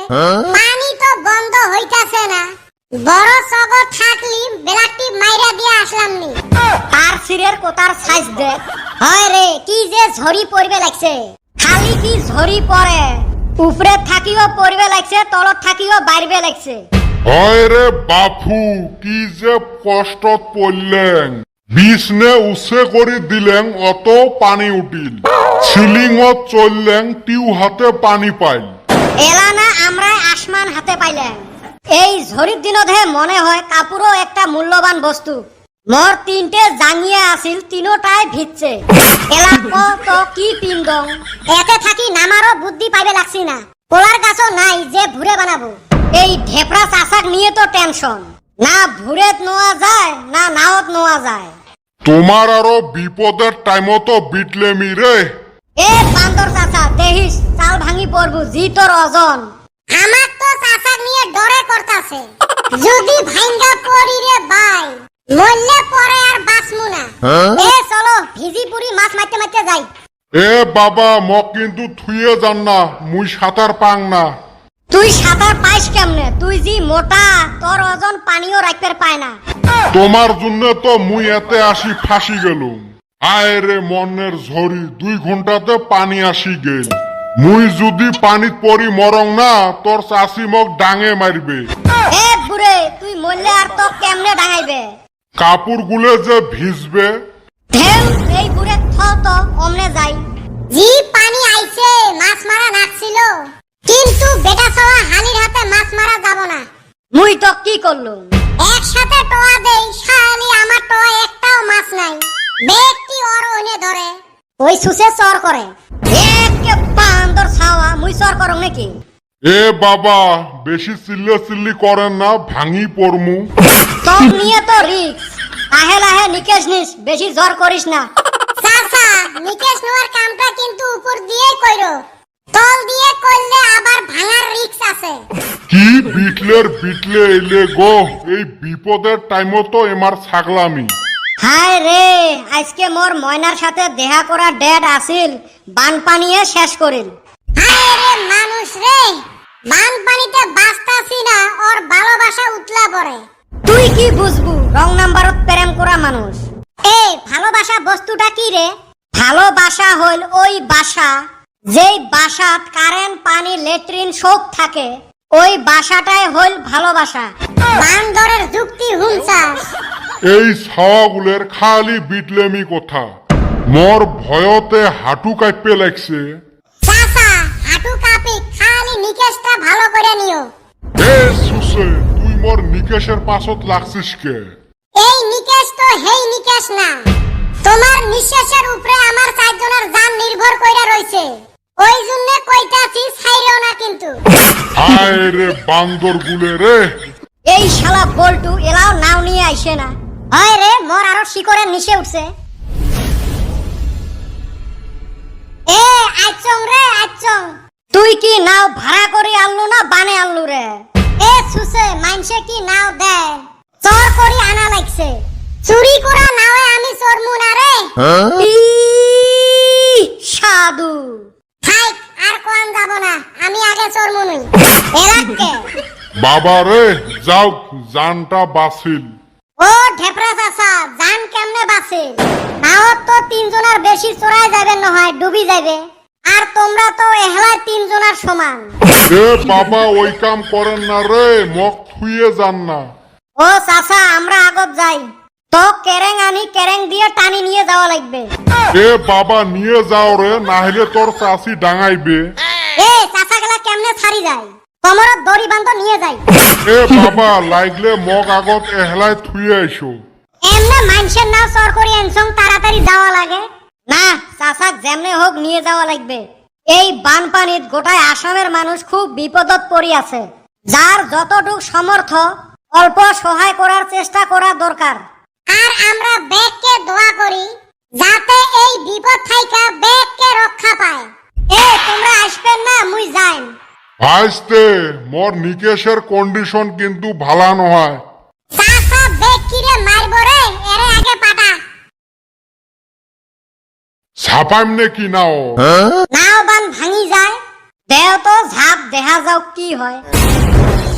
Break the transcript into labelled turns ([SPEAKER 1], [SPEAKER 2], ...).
[SPEAKER 1] পানি তো বন্ধ হইতাছে না। বড় সগর থাকলি বেলাটি মাইরা দিয়া আসলাম নি।
[SPEAKER 2] তার সিরের কোতার সাইজ দেখ। হয় রে কি যে ঝরি পড়বে লাগছে। খালি কি ঝরি পড়ে, উপরে থাকিও পড়বে লাগছে, তলত থাকিও বাইরবে লাগছে।
[SPEAKER 3] হয় রে বাপু, কি যে কষ্টত পড়লেন। বিছনে উচ্ছে করে দিলেন, অত পানি উঠিল। সিলিংত চললেন, টিউ হাতে পানি পাইল।
[SPEAKER 2] এলা না আমরা আসমান হাতে পাইলাম। এই ঝড়ির দিনতহে মনে হয় কাপড়ও একটা মূল্যবান বস্তু। মোর তিনটে জাঙ্গিয়া আছিল, তিনোটাই ভিজছে। এলা তো কি পিন্দং, এতে থাকি নামারও বুদ্ধি পাইবে লাগছি না। পোলার গাছও নাই যে ভুরে বানাবো। এই ঢেপড়া চাষাক নিয়ে তো টেনশন, না ভুরেত নোয়া যায় না নাওত নোয়া যায়।
[SPEAKER 3] তোমার আরো বিপদের টাইমতো বিটলেমি রে।
[SPEAKER 2] এ বান্দর চাচা দেহিস চাল ভাঙি পড়বো, জি তোর ওজন।
[SPEAKER 1] আমার তো চাচাক নিয়ে ডরে করতাছে। যদি ভাঙ্গা পড়ি রে ভাই, মরলে পরে আর বাঁচমু না।
[SPEAKER 2] এ চলো ভিজি পুরি মাছ মারতে মারতে যাই।
[SPEAKER 3] এ বাবা, মক কিন্তু থুয়ে যান না, মুই সাঁতার পাং না।
[SPEAKER 2] তুই সাঁতার পাইস কেমনে? তুই জি মোটা, তোর ওজন পানিও রাখতে পায় না।
[SPEAKER 3] তোমার জন্য তো মুই এতে আসি ফাঁসি গেলুম। আয় রে মনের ঝড়ি, 2 ঘন্টাতে পানি আসি গেল। মুই যদি পানিত পড়ি মরং না, তোর চাষি মক ডাঙে মারবে।
[SPEAKER 2] এ বুড়ে, তুই মরলে আর তো কেমনে ডাঙাইবে?
[SPEAKER 3] কাপড় গুলে যে ভিজবে।
[SPEAKER 2] ঢেউ এই বুড়ে তো অমনে যাই।
[SPEAKER 1] জি পানি আইছে, মাছ মারা নাকছিল, কিন্তু বেটা সওয়া হালির হাতে মাছ মারা যাব না।
[SPEAKER 2] মুই তো কি করলুম?
[SPEAKER 1] একসাথে টোয়া দেই, শালি আমার টোয়া একটাও মাছ নাই। ব্যক্তি ওর ওনে ধরে
[SPEAKER 2] ওই সুসে চর করে। একে বান্দর ছাওয়া, মুই চর করং নাকি?
[SPEAKER 3] এ বাবা, বেশি চিল্লে চিল্লি করেন না, ভাঙি পড়মু।
[SPEAKER 2] তোর নিয়ে তো রিক্স। লাহে লাহে নিকেশ নিস, বেশি জ্বর করিস না।
[SPEAKER 1] চাচা, নিকেশ নোয়ার কামটা কিন্তু উপর দিয়ে কইরো, তল দিয়ে করলে আবার ভাঙার রিস্ক আছে।
[SPEAKER 3] কি বিটলে এলে গো, এই বিপদের টাইমতো এমার ছাগলামি।
[SPEAKER 2] হায় রে, আজকে মোর ময়নার সাথে দেখা করা ডেট আসিল, বানপানিয়ে শেষ করিল।
[SPEAKER 1] হায় রে মানুষ রে, বানপানিতে বাঁচতাছি না, ওর ভালোবাসা উতলা পড়ে।
[SPEAKER 2] তুই কি বুঝবু রং নাম্বারত প্রেম করা মানুষ। এই ভালোবাসা বস্তুটা কি রে? ভালোবাসা হইল ওই বাসা, যেই বাসাত কারেন্ট পানি লেট্রিন সব থাকে, ওই বাসাটাই হইল ভালোবাসা।
[SPEAKER 1] বান্দরের যুক্তি হুমসাস।
[SPEAKER 3] এই ছাওয়াগুলের খালি বিটলেমি কথা। মোর ভয়তে হাঁটু কাঁপে লাগছে।
[SPEAKER 1] চাচা, হাঁটু কাঁপি, খালি নিকেশটা ভালো করে নিও।
[SPEAKER 3] এ সুসে, তুই মোর নিকেশের পাছত লাগছিস কে?
[SPEAKER 1] এই নিকেশ তো হেই নিকেশ না। তোমার নিঃশ্বাসের উপরে আমার 4 জনের জান নির্ভর কইরা রইছে। ওই জন্য কইতাছি ছাইরেও না কিন্তু।
[SPEAKER 3] হায় রে বান্দর গুলে রে।
[SPEAKER 2] এই শালা বল্টু এলাও নাও নিয়ে আইসে না। হয় রে, মোর আরো শিকড়ের নিচে উঠছে। এ আইচং রে আইচং, তুই কি নাও ভাড়া করে আনলু না বানে আনলু রে?
[SPEAKER 1] এ সুসে, মানসে কি নাও দেয়, চোর করি আনা লাগছে। চুরি করা নাওয়ে আমি চোরমু না রে।
[SPEAKER 2] সাধু
[SPEAKER 1] হাই, আর কোয়ান যাব না, আমি আগে চোরমু নই। এলাকে
[SPEAKER 3] বাবা রে, যাও, জানটা বাঁচিল।
[SPEAKER 1] ও ঢেপরা চাচা, জান কেমনে বাঁচে? নাওত তো 3 জনের বেশি চড়াই যাবে নহয়, ডুবি যাবে। আর তোমরা তো এহলায় 3 জনের সমান।
[SPEAKER 3] এ বাবা, ওই কাম করেন না রে, মক থুয়ে যান না।
[SPEAKER 2] ও চাচা, আমরা আগত যাই। তো কেরেং আনি, কেরেং দিয়ে টানি নিয়ে যাওয়া লাগবে।
[SPEAKER 3] এ বাবা, নিয়ে যাও রে, নাহলে তোর চাষি ডাঙাইবে।
[SPEAKER 2] এ চাচা গেলা কেমনে ছাড়ি যায়? কোমরত দড়ি বান্ধ নিয়ে যাই।
[SPEAKER 3] এ বাবা, লাগলে মগ আগত এহলায় থুয়ে আইসো।
[SPEAKER 2] এমনে মানুষের নাও চর করি এনসং তাড়াতাড়ি যাওয়া লাগে না। চাচাক যেমনে হোক নিয়ে যাওয়া লাগবে। এই বানপানিত গোটায় আসামের মানুষ খুব বিপদত পড়ি আছে। যার যতটুক সমর্থ অল্প সহায় করার চেষ্টা করা দরকার।
[SPEAKER 1] আর আমরা ব্যাগকে দোয়া করি যাতে এই বিপদ থাইকা ব্যাগকে রক্ষা পায়।
[SPEAKER 2] এ তোমরা আসবেন না, মুই যাইম।
[SPEAKER 3] ভাইস্তে, মোর নিকেশের কন্ডিশন কিন্তু ভালা নহয়।
[SPEAKER 1] চাচা ব্যাগ কিরে মারব রে, এরে আগে পাটা।
[SPEAKER 3] ছাপাইম নে কি নাও?
[SPEAKER 2] নাও বান ভাঙি যায়, দেও তো ঝাঁপ দেখা যাওক কি হয়